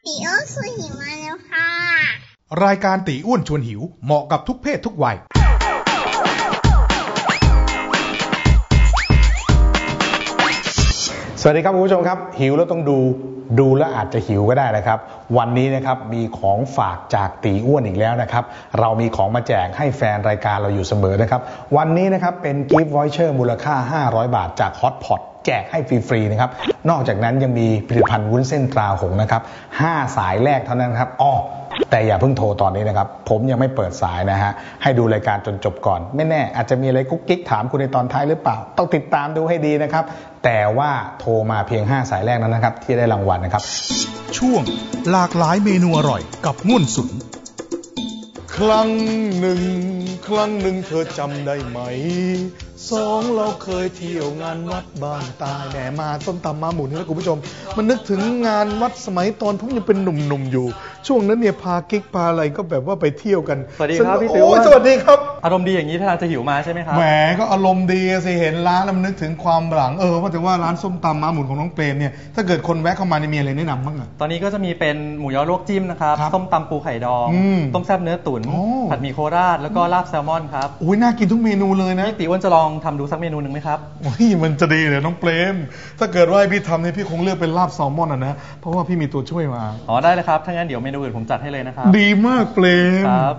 ตีอ้วนชวนหิวมาแล้วค่ะรายการตีอ้วนชวนหิวเหมาะกับทุกเพศทุกวัยสวัสดีครับคุณผู้ชมครับหิวแล้วต้องดูแล้วอาจจะหิวก็ได้นะครับวันนี้นะครับมีของฝากจากตีอ้วนอีกแล้วนะครับเรามีของมาแจกให้แฟนรายการเราอยู่เสมอนะครับวันนี้นะครับเป็นกิฟต์วอยเชอร์มูลค่า500 บาทจากฮอตพอตแจกให้ฟรีๆนะครับนอกจากนั้นยังมีผลิตภัณฑ์วุ้นเส้นตราหงส์นะครับ5สายแรกเท่านั้นครับแต่อย่าเพิ่งโทรตอนนี้นะครับผมยังไม่เปิดสายนะฮะให้ดูรายการจนจบก่อนไม่แน่อาจจะมีอะไรกุ๊กกิ๊กถามคุณในตอนท้ายหรือเปล่าต้องติดตามดูให้ดีนะครับแต่ว่าโทรมาเพียง5สายแรกนั้นนะครับที่ได้รางวัลนะครับช่วงหลากหลายเมนูอร่อยกับง่วนสุนครั้งหนึ่งเธอจำได้ไหม2เราเคยเที่ยวงานวัดบ้านตายแหมมาส้มตำมาหมุนแล้วคุณผู้ชมมันนึกถึงงานวัดสมัยตอนผมยังเป็นหนุ่มๆอยู่ช่วงนั้นเนี่ยพากิ๊กพาอะไรก็แบบว่าไปเที่ยวกันสวัสดีครับพี่ติ๋วสวัสดีครับอารมณ์ดีอย่างนี้ท่าจะหิวมาใช่ไหมครับแหมก็อารมณ์ดีสิเห็นร้านแล้วมันนึกถึงความหลังว่าแต่ว่าร้านส้มตำมาหมุนของน้องเปรมเนี่ยถ้าเกิดคนแวะเข้ามามีอะไรแนะนำบ้างอ่ะตอนนี้ก็จะมีเป็นหมูยอลวกจิ้มนะครับส้มตำปูไข่ดองต้มแซ่บเนื้อตุ๋นผัดหมี่โคราชแล้วก็ลาบแซลมอนครับอุ้ยน่ากินทุกเมนูเลยนะพี่ติ๋วจะลองทำดูสักเมนูนึงไหมครับโอ้ยมันจะดีเลยน้องเปรมถ้าเกิดว่าพี่ทำเนี่ยพี่คงเลือกเป็นลาบแซลมอนนะเพราะว่าพี่มีตัวช่วยมาได้เลยครับถ้างั้นเดี๋ยวเมนูอื่นผมจัดให้เลยนะครับดีมากเปรมครับ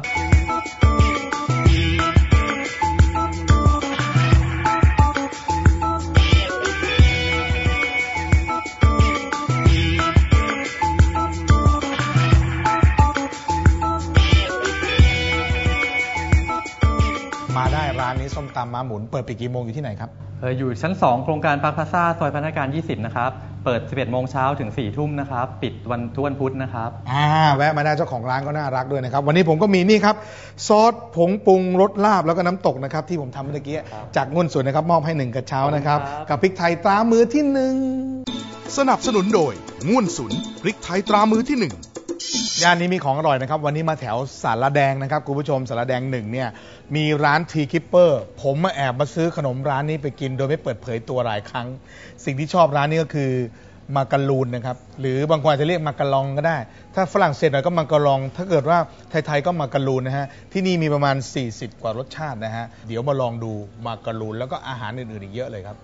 มาได้ร้านนี้ส้มตำม้าหมุนเปิดปิดกี่โมงอยู่ที่ไหนครับอยู่ชั้น2โครงการพาร์คพลาซ่าซอยพัฒนาการ20นะครับเปิด 11 โมงเช้าถึง 4 ทุ่มนะครับปิดวันทุกวันพุธนะครับแวะมาได้เจ้าของร้านก็น่ารักด้วยนะครับวันนี้ผมก็มีนี่ครับซอสผงปรุงรสลาบแล้วก็น้ำตกนะครับที่ผมทำเมื่อกี้จากง่วนสวนนะครับมอบให้1กระเช้านะครับกับพริกไทยตรามือที่1สนับสนุนโดยง่วนสุนพริกไทยตรามือที่1ย่านนี้มีของอร่อยนะครับวันนี้มาแถวสารแดงนะครับคุณผู้ชมสารแดง1เนี่ยมีร้านทีคิปเปอร์ผมมาแอบมาซื้อขนมร้านนี้ไปกินโดยไม่เปิดเผยตัวหลายครั้งสิ่งที่ชอบร้านนี้ก็คือมาการูนนะครับหรือบางคนอาจจะเรียกมาการองก็ได้ถ้าฝรั่งเศสหน่อยก็มาการองถ้าเกิดว่าไทยๆก็มาการูนนะฮะที่นี่มีประมาณ40กว่ารสชาตินะฮะเดี๋ยวมาลองดูมาการูนแล้วก็อาหารอื่นๆอีกเยอะเลยครับ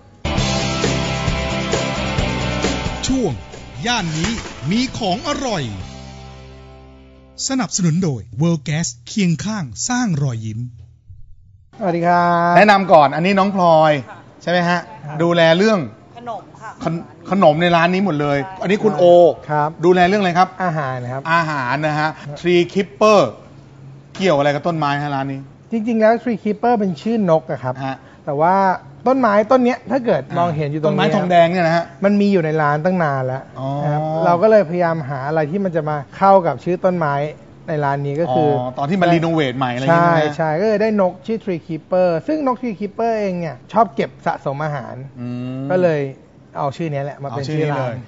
ช่วงย่านนี้มีของอร่อยสนับสนุนโดย World Gas เคียงข้างสร้างรอยยิ้มสวัสดีครับแนะนำก่อนอันนี้น้องพลอยใช่ไหมฮะดูแลเรื่องขนมค่ะขนมในร้านนี้หมดเลยอันนี้คุณโอครับดูแลเรื่องอะไรครับอาหารนะครับอาหารนะฮะ Tree Keeper เกี่ยวอะไรกับต้นไม้ฮะร้านนี้จริงๆแล้ว Tree Keeper เป็นชื่อนกอะครับแต่ว่าต้นไม้ต้นนี้ถ้าเกิดมองเห็นอยู่ตรงนี้ต้นไม้ทองแดงเนี่ยนะฮะมันมีอยู่ในร้านตั้งนานแล้วนะครับเราก็เลยพยายามหาอะไรที่มันจะมาเข้ากับชื่อต้นไม้ในร้านนี้ก็คือตอนที่มารีโนเวทใหม่อะไรอย่างเงี้ยใช่ก็เลยได้นกชื่อ Tree Keeper ซึ่งนก Tree Keeper เองเนี่ยชอบเก็บสะสมอาหารก็เลยเอาชื่อนี้แหละมาเป็นชื่อร้าน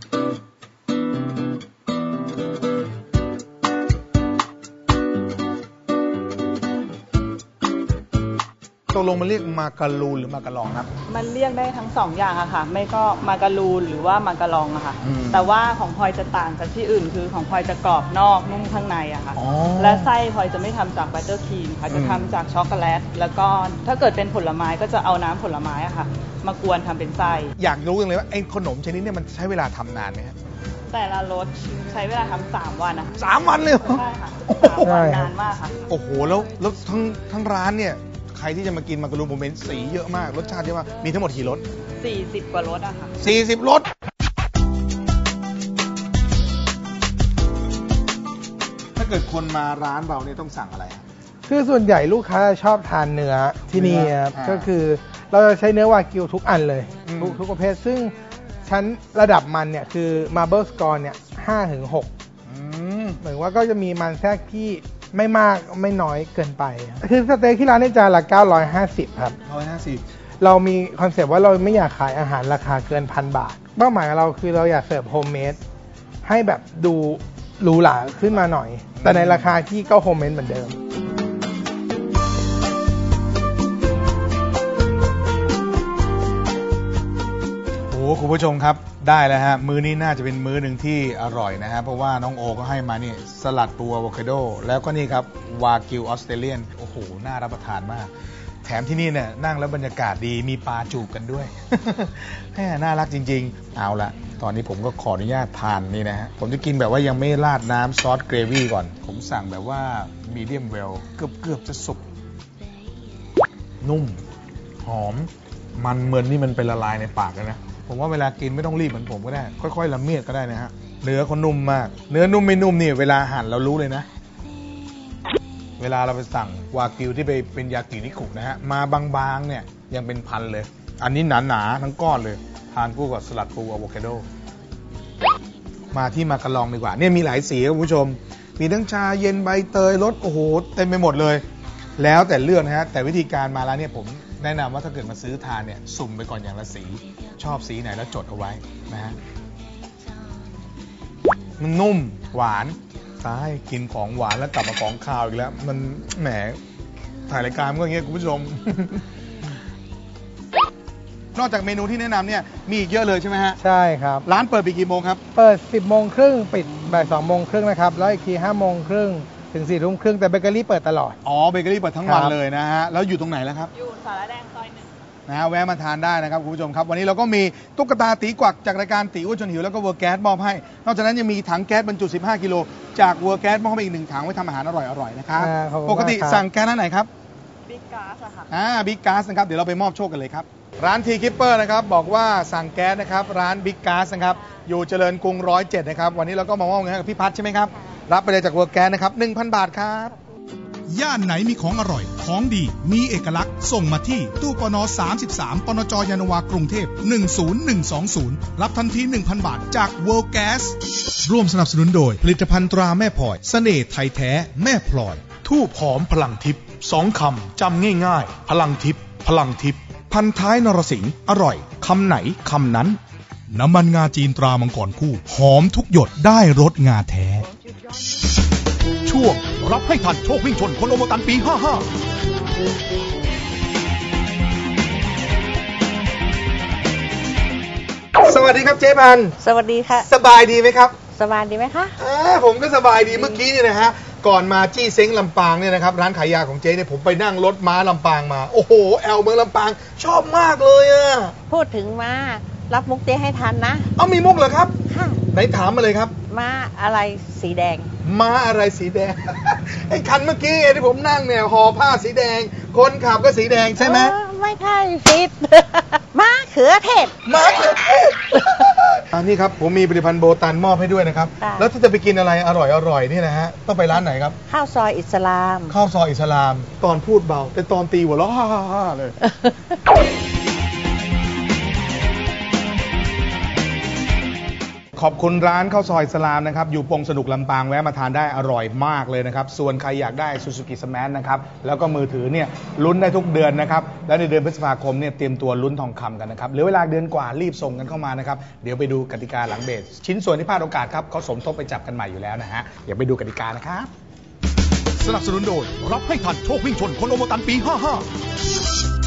ตกลงมันเรียกมาการูนหรือมาการองครับมันเรียกได้ทั้ง2อย่างอะค่ะไม่ก็มาการูนหรือว่ามาการองอะค่ะแต่ว่าของพลอยจะต่างจากที่อื่นคือของพลอยจะกรอบนอกนุ่มข้างในอะค่ะและไส้พลอยจะไม่ทำจากบัตเตอร์ครีมค่ะจะทำจากช็อกโกแลตแล้วก็ถ้าเกิดเป็นผลไม้ก็จะเอาน้ำผลไม้อะค่ะมากวนทำเป็นไส้อยากรู้จังเลยว่าไอ้ขนมชนิดนี้มันใช้เวลาทำนานไหมฮะแต่ละรสใช้เวลาทำ3 วันอะ 3 วันเลยใช่ค่ะ3 วันนานมากค่ะโอ้โหแล้วทั้งร้านเนี่ยใครที่จะมากินมาการูนผมเห็นสีเยอะมากรสชาติเยอะมากมีทั้งหมดกี่รส 40 กว่ารสอะค่ะ 40 รสถ้าเกิดคนมาร้านเราเนี่ยต้องสั่งอะไรคือส่วนใหญ่ลูกค้าชอบทานเนื้อที่นี่ครับก็คือเราจะใช้เนื้อวากิวทุกอันเลยทุกประเภทซึ่งชั้นระดับมันเนี่ยคือ Marble Score เนี่ย 5-6 เหมือนว่าก็จะมีมันแทรกที่ไม่มากไม่น้อยเกินไปคือสเต็กที่ร้านในจานละ950ครับ 150 เรามีคอนเซปต์ว่าเราไม่อยากขายอาหารราคาเกิน1,000 บาทเป้าหมายของเราคือเราอยากเสิร์ฟโฮมเมดให้แบบดูหรูหราขึ้นมาหน่อยแต่ในราคาที่ก็โฮมเมดเหมือนเดิมโอ้คุณผู้ชมครับได้แล้วฮะมื้อนี้น่าจะเป็นมื้อหนึ่งที่อร่อยนะฮะเพราะว่าน้องโอก็ให้มานี่สลัดปูอะโวคาโดแล้วก็นี่ครับวากิวออสเตรเลียนโอ้โหน่ารับประทานมากแถมที่นี่เนี่ยนั่งแล้วบรรยากาศดีมีปลาจูบกันด้วย น่ารักจริงๆเอาละตอนนี้ผมก็ขออนุญาตทานนี่นะฮะผมจะกินแบบว่ายังไม่ราดน้ำซอสเกรวี่ก่อนผมสั่งแบบว่ามีเดียมเวลเกือบจะสุกนุ่มหอมมันเหมือนนี่มันเป็นละลายในปากเลยนะผมว่าเวลากินไม่ต้องรีบเหมือนผมก็ได้ค่อยๆละเมียดก็ได้นะฮะเนื้อเขานุ่มมากเนื้อนุ่มไม่นุ่มนี่เวลาหั่นเรารู้เลยนะเวลาเราไปสั่งวากิวที่ไปเป็นยากินิคุนะฮะมาบางๆเนี่ยยังเป็นพันเลยอันนี้หนาๆทั้งก้อนเลยทานคู่กับสลัดปูอะโวคาโดมาที่มากระลองดีกว่าเนี่ยมีหลายสีครับคุณผู้ชมมีทั้งชาเย็นใบเตยรสโอ้โหเต็มไปหมดเลยแล้วแต่เลือกนะฮะแต่วิธีการมาแล้วเนี่ยผมแนะนำว่าถ้าเกิดมาซื้อทานเนี่ยสุ่มไปก่อนอย่างละสีชอบสีไหนแล้วจดเอาไว้นะฮะมันนุ่มหวานตายกินของหวานแล้วกลับมาของคาวอีกแล้วมันแหมถ่ายรายการมันก็อย่างเงี้ยคุณผู้ชม นอกจากเมนูที่แนะนำเนี่ยมีอีกเยอะเลยใช่ไหมฮะใช่ครับร้านเปิดปิดกี่โมงครับเปิด 10 โมงครึ่งปิดบ่าย 2 โมงครึ่งนะครับแล้วอีกที 5 โมงครึ่งถึง 4 ทุ่มครึ่งแต่เบเกอรี่เปิดตลอดอ๋อเบเกอรี่เปิดทั้งวันเลยนะฮะแล้วอยู่ตรงไหนแล้วครับอยู่สารแดงซอย1 นะฮะแวะมาทานได้นะครับคุณผู้ชมครับวันนี้เราก็มีตุ๊กตาตีกวักจากรายการตีอ้วนจนหิวแล้วก็เวอร์แก๊สมอบให้นอกจากนั้นยังมีถังแก๊สบรรจุ15กิโลจากเวอร์แก๊สมอบให้อีก1ถังไว้ทำอาหารอร่อยๆนะครับปกติสั่งแก๊สร้านไหนครับบิ๊กก๊าซค่ะบิ๊กก๊าซนะครับเดี๋ยวเราไปมอบโชคกันเลยครับร้านทีคิปเปอร์นะครับบอกว่าสั่งแก๊สนะครับร้านบิ๊กก๊าซนะครับอยู่เจริญกรุง107นะครับวันนี้เราก็มามอบเงินให้กับพี่พัฒน์ใช่ไหมครับรับไปเลยจากเวอร์แก๊สนะครับ 1,000 บาทครับย่านไหนมีของอร่อยของดีมีเอกลักษณ์ส่งมาที่ตู้ปน33ปนจยานนาวากรุงเทพ10120รับทันที 1,000 บาทจาก World Gas ร่วมสนับสนุนโดยผลิตภัณฑ์ตราแม่พลอยเสน่ห์ไทยแท้แม่พลอยทูบหอมพลังทิพย์2 คำจำง่ายๆพลังทิพย์พลังทิพย์พันท้ายนรสิงห์อร่อยคำไหนคำนั้นน้ำมันงาจีนตรามังกรคู่หอมทุกหยดได้รสงาแท้ช่วงรับให้ทันโชควิ่งชนคนโอโมตันปี 55 สวัสดีครับเจ๊พันสวัสดีค่ะสบายดีไหมครับสบายดีไหมคะผมก็สบายดีเมื่อกี้เนี่ยนะฮะก่อนมาจี้เซ้งลำปางเนี่ยนะครับร้านขายยาของเจ๊เนี่ยผมไปนั่งรถม้าลำปางมาโอ้โหแอลเมืองลำปางชอบมากเลยอะพูดถึงม้ารับมุกเจ๊ให้ทันนะมีมุกเหรอครับค่ะไหนถามมาเลยครับม้าอะไรสีแดงม้าอะไรสีแดง ไอ้คันเมื่อกี้ที่ผมนั่งเนี่ยห่อผ้าสีแดงคนขับก็สีแดงใช่ไหมไม่ใช่ผิด ม้าเขือเทศม้าเขือเทศ นี่ครับผมมีผลิตภัณฑ์โบตันมอบให้ด้วยนะครับแล้วถ้าจะไปกินอะไรอร่อยนี่นะฮะต้องไปร้านไหนครับข้าวซอยอิสลามข้าวซอยอิสลามตอนพูดเบาแต่ตอนตีหัวเราะฮ่าๆเลยขอบคุณร้านข้าวซอยอิสลามนะครับอยู่ปงสนุกลำปางแวะมาทานได้อร่อยมากเลยนะครับส่วนใครอยากได้ Suzuki Smash นะครับแล้วก็มือถือเนี่ยลุ้นได้ทุกเดือนนะครับและในเดือนพฤษภาคมเนี่ยเตรียมตัวลุ้นทองคำกันนะครับเหลือเวลาเดือนกว่ารีบส่งกันเข้ามานะครับเดี๋ยวไปดูกติกาหลังเบสชิ้นส่วนที่พลาดโอกาสครับเขาสมทบไปจับกันใหม่อยู่แล้วนะฮะเดี๋ยวไปดูกติกานะครับสนับสนุนโดยรับให้ทันโชควิ่งชนคนโอโมตันปี 55